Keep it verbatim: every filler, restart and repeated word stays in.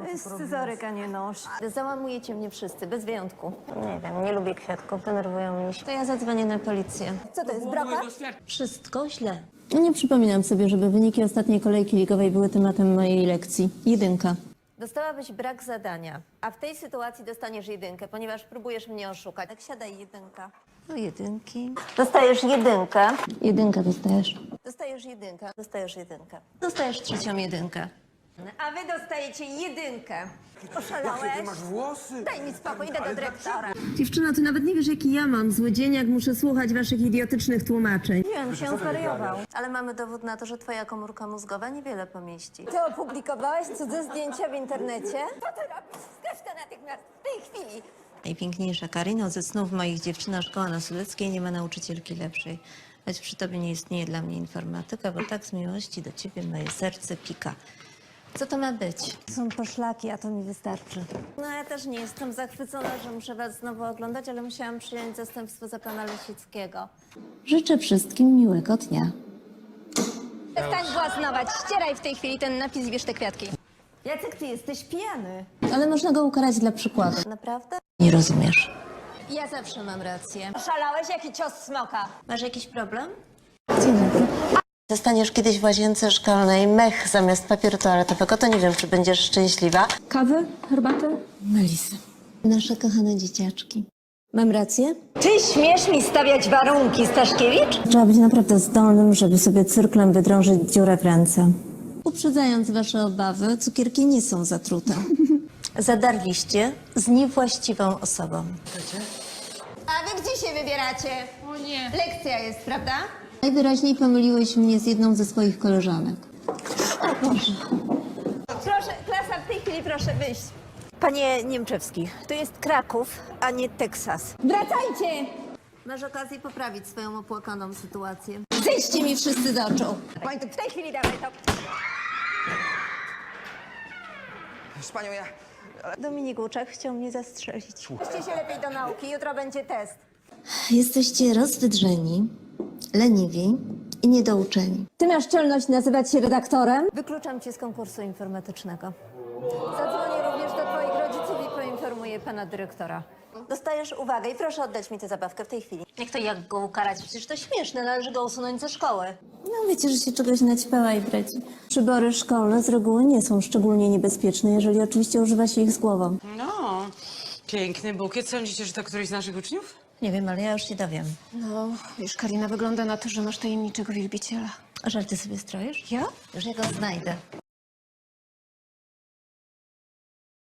To jest scyzoryk, a nie nóż. Załamujecie mnie wszyscy, bez wyjątku. Nie wiem, nie lubię kwiatków, denerwują mnie się. To ja zadzwonię na policję. Co to jest, brokat? Wszystko źle. Nie przypominam sobie, żeby wyniki ostatniej kolejki ligowej były tematem mojej lekcji. Jedynka. Dostałabyś brak zadania, a w tej sytuacji dostaniesz jedynkę, ponieważ próbujesz mnie oszukać. Tak, siadaj, jedynka. No jedynki. Dostajesz jedynkę. Jedynka dostajesz. Dostajesz jedynkę. Dostajesz jedynkę. Dostajesz trzecią jedynkę. A wy dostajecie jedynkę. Oszalałeś? Jakie ty masz włosy? Daj mi spokój, idę do dyrektora. Dziewczyno, ty nawet nie wiesz, jaki ja mam zły dzień, jak muszę słuchać waszych idiotycznych tłumaczeń. Nie wiem, się on zwariował. Ale mamy dowód na to, że twoja komórka mózgowa niewiele pomieści. Ty opublikowałeś cudze zdjęcia w internecie? Co ty robisz? Skacz to natychmiast, w tej chwili. Najpiękniejsza Karino, ze snów moich dziewczyna szkoła na Suleckiej nie ma nauczycielki lepszej. Choć przy tobie nie istnieje dla mnie informatyka, bo tak z miłości do ciebie moje serce pika. Co to ma być? Są poszlaki, a to mi wystarczy. No ja też nie jestem zachwycona, że muszę was znowu oglądać, ale musiałam przyjąć zastępstwo za pana Lesickiego. Życzę wszystkim miłego dnia. Przestań błaznować, ścieraj w tej chwili ten napis i bierz te kwiatki. Jacek, ty jesteś pijany. Ale można go ukarać dla przykładu. Naprawdę? Nie rozumiesz. Ja zawsze mam rację. Oszalałeś? Jaki cios smoka? Masz jakiś problem? Dzień dobry. Dostaniesz kiedyś w łazience szkolnej mech zamiast papieru toaletowego, to nie wiem, czy będziesz szczęśliwa. Kawę? Herbatę? Melisy. Nasze kochane dzieciaczki. Mam rację? Ty śmiesz mi stawiać warunki, Staszkiewicz? Trzeba być naprawdę zdolnym, żeby sobie cyrklem wydrążyć dziurę w ręce. Uprzedzając wasze obawy, cukierki nie są zatrute. Zadarliście z niewłaściwą osobą. A wy gdzie się wybieracie? O nie. Lekcja jest, prawda? Najwyraźniej pomyliłeś mnie z jedną ze swoich koleżanek. Proszę, klasa, w tej chwili proszę wyjść. Panie Niemczewski, to jest Kraków, a nie Teksas. Wracajcie! Masz okazję poprawić swoją opłakaną sytuację. Zejdźcie mi wszyscy z oczu. Wojtek, w tej chwili dawaj to. Z panią ja... Dominik Łuczak chciał mnie zastrzelić. Uczcie się lepiej do nauki, jutro będzie test. Jesteście rozwydrzeni, leniwi i niedouczeni. Ty masz czelność nazywać się redaktorem? Wykluczam cię z konkursu informatycznego. Zadzwonię również do twoich rodziców i poinformuję pana dyrektora. Dostajesz uwagę i proszę oddać mi tę zabawkę w tej chwili. Jak to jak go ukarać? Przecież to śmieszne, należy go usunąć ze szkoły. No wiecie, że się czegoś naćpała i breci. Przybory szkolne z reguły nie są szczególnie niebezpieczne, jeżeli oczywiście używa się ich z głową. No, piękny bukiet. Sądzicie, że to któryś z naszych uczniów? Nie wiem, ale ja już się dowiem. No, wiesz, Karina, wygląda na to, że masz tajemniczego wielbiciela. A żarty sobie stroisz? Ja? Już ja go znajdę.